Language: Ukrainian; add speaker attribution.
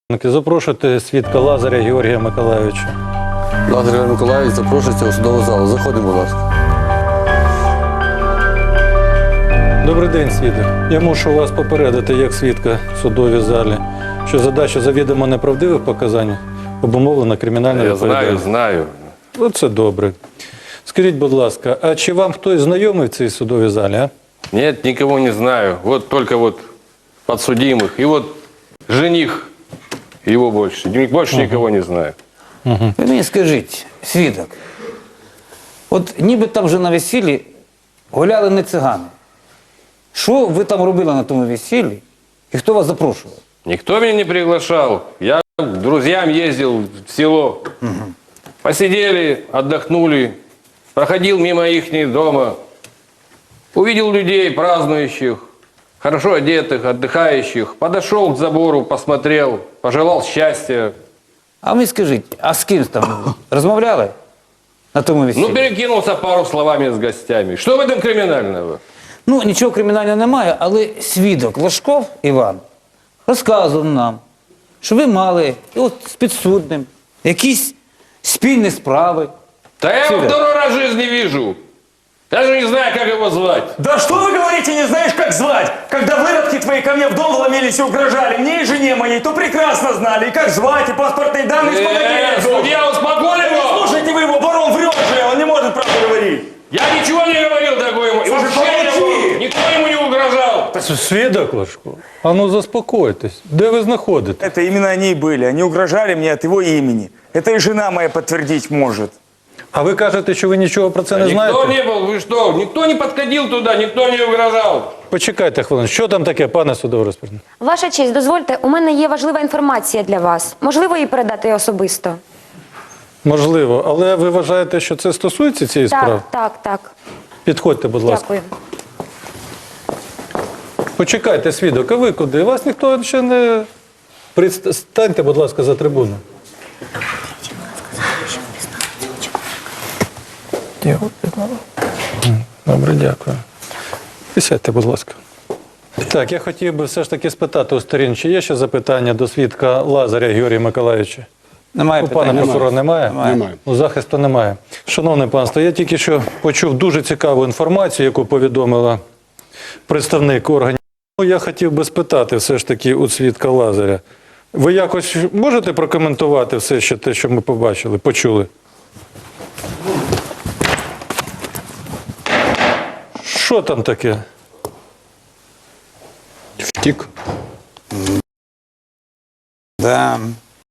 Speaker 1: Запрошуйте свідка Лазаря Георгія Миколайовича.
Speaker 2: Лазар Георгій Миколайович запрошується у судову залу. Заходимо, будь ласка.
Speaker 1: Добрий день, свідок. Я мушу вас попередити, як свідка в судовій залі, що задача завідомо неправдивих показань обумовлена кримінальною відповідальністю.
Speaker 3: Знаю.
Speaker 1: Оце добре. Скажіть, будь ласка, а чи вам хтось знайомий в цій судовій залі, а?
Speaker 3: Нет, никого не знаю. Вот только вот подсудимых. И вот жених его больше. Больше никого не знаю.
Speaker 4: Ви мені скажіть, свідок, от ніби там вже на весіллі гуляли не цигани. Що ви там робили на тому весіллі і хто вас запрошував?
Speaker 3: Никто меня не приглашал. Я к друзьям ездил в село. Посидели, отдохнули. Проходил мимо их дома. Увидел людей празднующих, хорошо одетых, отдыхающих. Подошел к забору, посмотрел, пожелал счастья.
Speaker 4: А ви скажіть, а з ким там розмовляли на тому весіллі?
Speaker 3: Ну, перекинулся пару словами с гостями. Что в этом криминального?
Speaker 4: Ну, нічого кримінального немає, але свідок Лашков Іван розказував нам, що ви мали і от з підсудним якісь спільні справи.
Speaker 3: Да я его второй раз в жизни вижу. Даже не знаю, как его звать.
Speaker 5: Да что вы говорите, не знаешь, как звать? Когда выродки твои ко мне в дом вломились и угрожали, мне и жене моей, то прекрасно знали, и как звать, и паспортные данные, что
Speaker 3: Судья, успокой его!
Speaker 5: Слушайте вы его, барон врет же, он не может правду говорить.
Speaker 3: Я ничего не говорил такое ему. И
Speaker 5: Слушай,
Speaker 3: вообще
Speaker 5: помолчи.
Speaker 3: никто ему не угрожал.
Speaker 1: Свідок Лашко, а ну заспокойтесь. Де ви знаходитесь?
Speaker 5: Это именно они и были, они угрожали мне от его имени. Это и жена моя подтвердить может.
Speaker 1: А ви кажете, що ви нічого про це не
Speaker 3: Никто
Speaker 1: знаєте?
Speaker 3: не был, вы что? Никто не подходил туда, никто не угрожал.
Speaker 1: Почекайте хвилину. Що там таке, пане судовий розпорядник?
Speaker 6: Ваша честь, дозвольте, у мене є важлива інформація для вас. Можливо, її передати особисто?
Speaker 1: Можливо, але ви вважаєте, що це стосується цієї справи?
Speaker 6: Так.
Speaker 1: Підходьте, будь ласка.
Speaker 6: Дякую.
Speaker 1: Почекайте, свідок, а ви куди? Вас ніхто ще не... Станьте, будь ласка, за трибуну. Добре, дякую. Сядьте, будь ласка. Так, я хотів би все ж таки спитати у сторін, чи є ще запитання до свідка Лазаря Георгія Миколайовича?
Speaker 4: Немає
Speaker 1: У пана прокурора немає?
Speaker 4: Немає.
Speaker 1: У захисту немає. Шановне панство, я тільки що почув дуже цікаву інформацію, яку повідомила представник органів. Я хотів би спитати все ж таки у свідка Лазаря. Ви якось можете прокоментувати все ще те, що ми побачили, почули? Що там таке?
Speaker 2: Втік.
Speaker 4: Да.